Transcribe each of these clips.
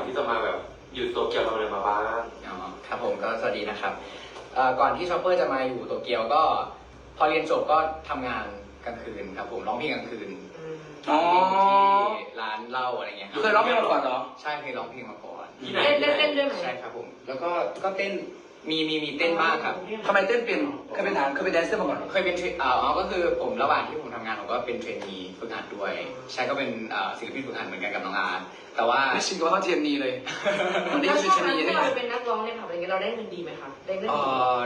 ที่จะมาแบบอยู่โตเกียวทำอะไรมาบ้างอ๋อครับผมก็สวัสดีนะครับก่อนที่ชอปเปอร์จะมาอยู่โตเกียวก็พอเรียนจบก็ทำงานกลางคืนครับผมร้องเพลงกลางคืนร้องเพลงที่ร้านเหล้าอะไรเงี้ยเคยร้องเพลงมาก่อนเหรอใช่เคยร้องเพลงมาก่อนที่ไหนเต้นด้วยไหมใช่ครับผมแล้วก็เต้นมีเต้นบ้างครับทำไมเต้นเป็นเคยเป็นแดนเซอร์มาก่อนเหรอเคยเป็นก็คือผมระหว่างที่ผมทำงานผมก็เป็นเทรนนีฝึกหัดด้วยใช่ก็เป็นศิลปินฝึกหัดเหมือนกันกับน้องอาร์ตแต่ว่าไม่ชินกับเขาเทียนนีเลยมันได้แล้วชื่ช่อวงเทียนนั้นนีได้ที่ไงเราเป็นนักร้องในผับอะไรเงี้ยเราได้เงินดีไหมคะได้เงินดี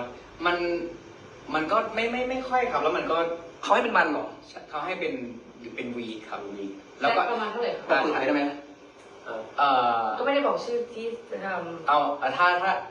มันก็ไม่ค่อยครับแล้วมันก็เขาให้เป็นมันเหรอเขาให้เป็นวีครับวีแล้แล้ว วก็ก็ประมาณเท่าไหร่บอคะกปืนไทยได้ไหมก็ไม่ได้บอกชื่อที่จะทเอาถ้า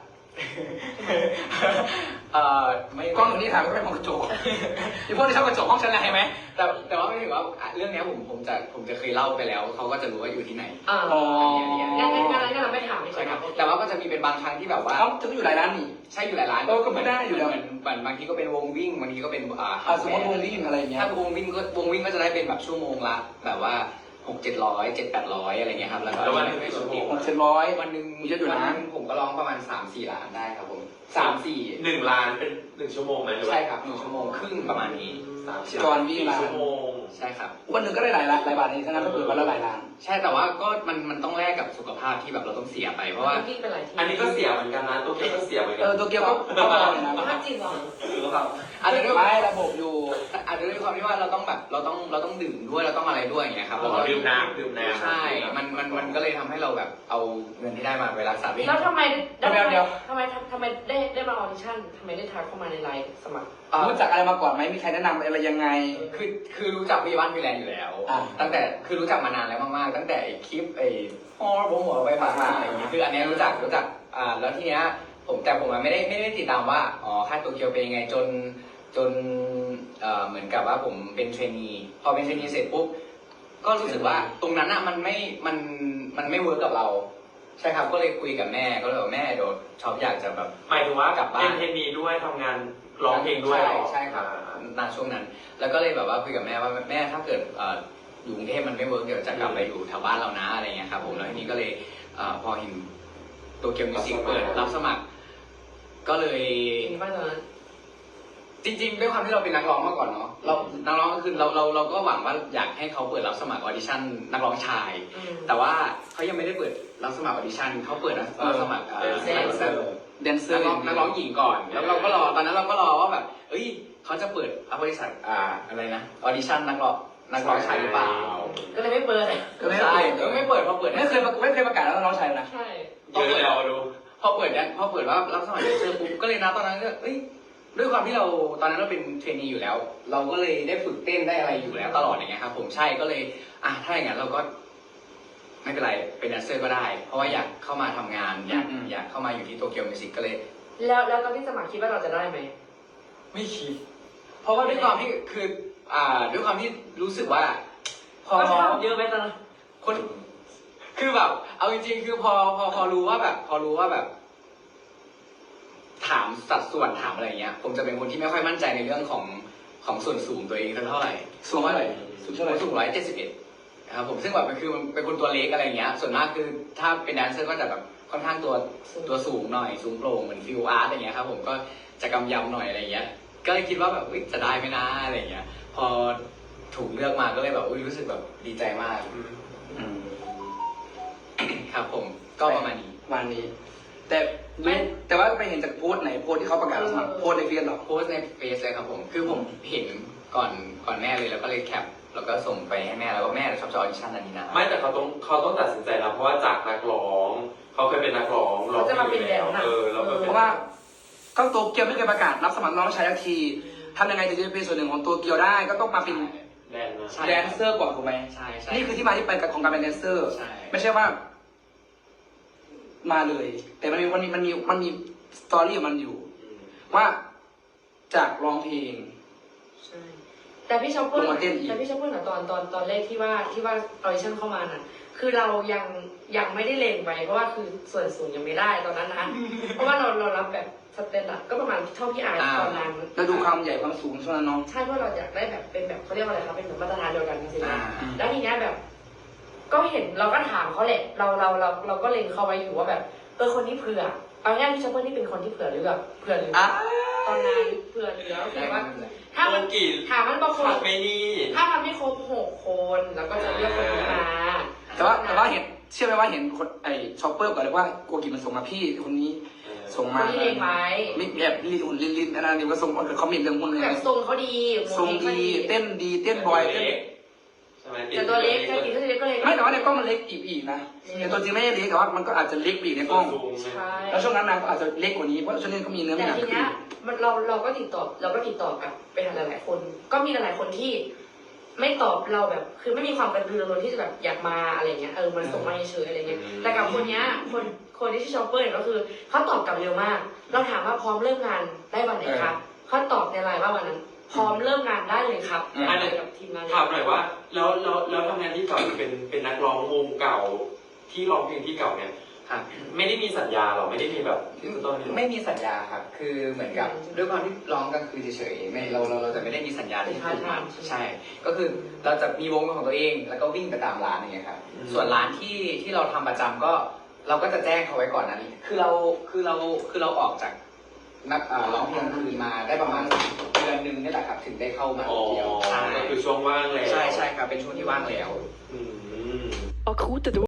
ไม่กล้องอยู่นี่ถ่ายไม่เป็นมองกระจกที่พวกที่ชอบกระจกห้องชั้นอะไรไหมแต่ว่าไม่ถึงว่าเรื่องนี้ผมจะเคยเล่าไปแล้วเขาก็จะรู้ว่าอยู่ที่ไหนำอ๋องั้นเราไม่ถามไม่ใช่ใช่คครัรับบ แต่ว่าก็จะมีเป็นบางครั้งที่แบบว่าเขาจะอยู่หลายร้านนี่ใช่อยู่หลายร้านก็ไม่ได้อยู่แล้วเหมือนบางทีก็เป็นวงวิ่งบางทีก็เป็นสมมติวงวิ่งอะไรอย่างเงี้ยถ้าวงวิ่งก็จะได้เป็นแบบชั่วโมงละแบบว่า600-700 700-800อะไรเงี้ยครับแล้วก็แล้ววันหนึ่งได้ชั่วโมง 600-700 วันหนึ่งเยอะอยู่นะวันหนึ่งผมก็ร้องประมาณ 3-4 ล้านได้ครับผม3-4 1 ล้านเป็น1 ชั่วโมงไหมหรือว่าใช่ครับ1 ชั่วโมงครึ่งประมาณนี้ก่อนวิ่ง 4 ร้านชั่วโมงใช่ครับวันหนึ่งก็ได้หลายบาทนี่ทั้งนั้นก็เปิดวันละหลายล้านใช่แต่ว่าก็มันต้องแลกกับสุขภาพที่แบบเราต้องเสียไปเพราะว่าวิ่งเป็นหลายที่อันนี้ก็เสียเหมือนกันนะโตเกียวก็เสียเหมือนกัตัวเกียวก็เข้ามาเลยนะภาพจริงเหรอหรือเปล่าอาจจะด้วยไม่ระบบอยู่อาจจะด้วยความที่ว่าเราต้องแบบเราต้องดื่มด้วยเราต้องอะไรด้วยอย่างเงี้ยครับเราดื่มน้ำใช่มันก็เลยทำให้เราแบบเอาเงินที่ได้มาไปรักษาเองแล้วทำไมเดี๋ยวทำไมได้มาออดิชั่นทำไมได้ทักเข้ามาในไลน์สมัครรู้จักอะไรมาก่อนไหมมีใครแนะนำอะไรยังไงคือรู้จักพี่บ้านพี่แลนด์อยู่แล้ว ตั้งแต่คือรู้จักมานานแล้วมากๆตั้งแต่ไอ้คลิปไอ้ฮอร์โมหัวไปผ่านอะไรอย่างเงี้ยคืออันเนี้ยรู้จักแล้วทีเนี้ยผมไม่ได้ติดตามว่าค่ายโตเกียวเป็นยังไงจนเหมือนกับว่าผมเป็นเทรนนีพอเป็นเทรนนีเสร็จปุ๊บก็รู้สึกว่าตรงนั้นอ่ะมันไม่เวิร์กกับเราใช่ครับก็เลยคุยกับแม่ก็เลยบอกแม่เดี๋ยวชอบอยากจะแบบหมายถึงว่ากลับบ้านเป็นเทนนีด้วยทำงานร้องเพลงด้วยเหรอใช่ครับณช่วงนั้น แล้วก็เลยแบบว่าคุยกับแม่ว่าแม่ถ้าเกิดอยู่กรุงเทพมันไม่เวิร์กเดี๋ยวจะกลับไปอยู่แถวบ้านเรานะอะไรเงี้ยครับผมแล้วทีนี้ก็เลยพอเห็นโตเกียวมิวสิกเปิดรับสมัคร ก็เลยจริงป่ะตอนนั้นจริงๆด้วยความที่เราเป็นนักร้องมาก่อนเนาะนักร้องก็คือเราก็หวังว่าอยากให้เขาเปิดรับสมัครออดิชั่นนักร้องชาย แต่ว่าเขายังไม่ได้เปิดรับสมัครออดิชั่นเขาเปิดรับสมัครแดนเซอร์นักร้องหญิงก่อน แล้วเราก็รอตอนนั้นเราก็รอว่าแบบเอ้ยเขาจะเปิดบริษัทอะไรนะออดิชั่นนักร้องชายหรือเปล่าก็เลยไม่เปิดก็ไม่ใช่เปิดไม่เปิดพอเปิดไม่เคยประกาศแล้วน้องชายนะใช่เยอะแล้วดูพอเปิดว่ารับสมัครเจอปุ๊บก็เลยนะตอนนั้นก็เอ้ยด้วยความที่เราตอนนั้นเราเป็นเทรนนีอยู่แล้ว เราก็เลยได้ฝึกเต้นได้อะไรอยู่แล้วตลอดอย่างเงี้ยครับผมใช่ก็เลยถ้าอย่างนั้นเราก็ไม่เป็นไรเป็นแดนเซอร์ก็ได้ เพราะว่าอยากเข้ามาทำงานอยากเข้ามาอยู่ที่โตเกียวมิวสิกก็เลยแล้วตอนที่สมัครคิดว่าเราจะได้ไหมไม่คิด เพราะว่าด้วยความที่คือด้วยความที่รู้สึกว่า พอก็ทำเยอะไหมตอนนั้นคนคือแบบเอาจริงๆคือพอรู้ว่าแบบถามสัดส่วนถามอะไรเงี้ย ผมจะเป็นคนที่ไม่ค่อยมั่นใจในเรื่องของส่วนสูงตัวเองเท่าไหร่สูงเท่าไหร่สูงเท่าไหร่สูง171นะครับผมซึ่งแบบมันคือมันเป็นคนตัวเล็กอะไรเงี้ย ส่วนมากคือถ้าเป็นแดนเซอร์ก็จะแบบค่อนข้างตัวสูงหน่อยสูงโปร่งเหมือนฟิลอาร์ตอย่างเงี้ยครับผมก็จะกำยำหน่อยอะไรเงี้ย ก็เลยคิดว่าแบบจะได้ไหมนะอะไรเงี้ย พอถูกเลือกมาก็เลยแบบรู้สึกแบบดีใจมาก ครับผมก็ประมาณนี้วันนี้ แต่ว่าไปเห็นจากโพสต์ไหนโพสต์ที่เขาประกาศสมัครโพสต์ในเฟซหรอโพสต์ในเฟซเลยครับผมคือผมเห็นก่อนแม่เลยแล้วก็เลยแคปแล้วก็ส่งไปให้แม่แล้วก็แม่ชอบจะออดิชั่นอันนี้นะไม่แต่เขาต้องตัดสินใจนะเพราะว่าจากนักร้องเขาเคยเป็นนักร้องร้องเพลงอยู่แล้วแล้วก็เพราะว่าก็โตเกียวไม่เคยประกาศรับสมัครน้องชายทักทีทำยังไงถึงจะเป็นส่วนหนึ่งของโตเกียวได้ก็ต้องมาเป็นแดนนะแดนเซอร์ก่อนถูกไหมใช่นี่คือที่มาที่ไปของการเป็นแดนเซอร์ใช่ไม่ใช่ว่า มาเลย แต่มันมีสตอรี่ของมันอยู่ ว่าจากร้องเพลงใช่แต่พี่ชอปเปอร์ลงมาเต้นอีกแต่พี่ชอปเปอร์น่ะตอนแรกที่ว่าออดิชั่นเข้ามาน่ะ คือเรายังไม่ได้เลงไว้เพราะว่าคือส่วนสูงยังไม่ได้ตอนนั้นนะ เพราะว่าเรารับแบบสแตนดาร์ดก็ประมาณเท่าที่อายตอนนั้นแล้วดูความใหญ่ความสูงช่วงนั้นน้องใช่เพราะเราอยากได้แบบเป็นแบบเขาเรียกว่าอะไรครับเป็นแบบมาตรฐานเดียวกันจริงอ่าแล้วทีเนี้ยแบบก็เห็นเราก็ถามเขาแหละเราก็เล็งเขาไว้อยู่ว่าแบบคนนี้เผื่อเอาง่ายพี่ชอปเปอร์นี่เป็นคนที่เผื่อหรือแบบเผื่อหรือตอนนั้นเผื่อเหลือก็คือว่าถ้ามันถามมันบางคนไม่นี่ถ้ามันไม่ครบ6 คนแล้วก็จะเลือกคนนี้มาแต่ว่าเห็นเชื่อไหมว่าเห็นคนไอ้ช็อปเปอร์ก่อนเลยว่าโกกิมันส่งมาพี่คนนี้ส่งคมานที่เล็งไว้ไม่แบบลินอันนั้นนี่ก็ส่งเขามีเรื่องหุ้นเลยแบบทรงเขาดีทรงดีเต้นดีเต้นบอยเต้นใช่ไหมแต่ตัวเล็กถ้ากินก็เล็กก็เล็กไม่แต่ว่าในกล้องมันเล็กอีกนะแต่ตัวจริงไม่ได้เล็กแต่ว่ามันก็อาจจะเล็กอีกในกล้องใช่แล้วช่วงนั้นนางก็อาจจะเล็กกว่านี้เพราะช่วงนี้ก็มีเนื้อแต่หนักทีขึ้เนี้นยมันเราก็ติดต่อกับไปหาหลายๆคน ก็มีหลายๆคนที่ ไม่ตอบเราแบบ คือไม่มีความกระตือรือร้นที่จะแบบอยากมาอะไรเงี้ยมันส่งมาเฉยๆอะไรเงี้ยแต่กับคนเนี้ยคนที่ชื่อชอปเปอร์เนี่ยก็คือเขาตอบกลับเร็วมาก เราถามว่าพร้อมเริ่มงานได้วันไหนคะเขาตอบในไลน์ว่าวันนั้น พร้อมเริ่มงานได้เลยครับกับทีมงานถามหน่อยว่าแล้วทำงานที่เก่าเป็นนักร้องวงเก่าที่ร้องเพลงที่เก่าเนี่ยครับไม่ได้มีสัญญาหรอไม่ได้มีแบบที่ต้นไม่มีสัญญาครับ คือเหมือนกับด้วยความที่ร้องกลางคืนเฉยๆไม่เราจะไม่ได้มีสัญญาที่ผูกมัดใช่ ก็คือเราจะมีวงของตัวเองแล้วก็วิ่งไปตามร้านอย่างเงี้ยครับ ส่วนร้านที่เราทำประจำก็เราก็จะแจ้งเขาไว้ก่อนนั้นคือเราออกจากนักร้องเพลงคืนมาได้ประมาณเดือนนึงนี่แหละครับถึงได้เข้ามาอ๋อเดียวใช่ก็คือช่วงว่างแล้วใช่ครับเป็นช่วงที่ว่างแล้วอืม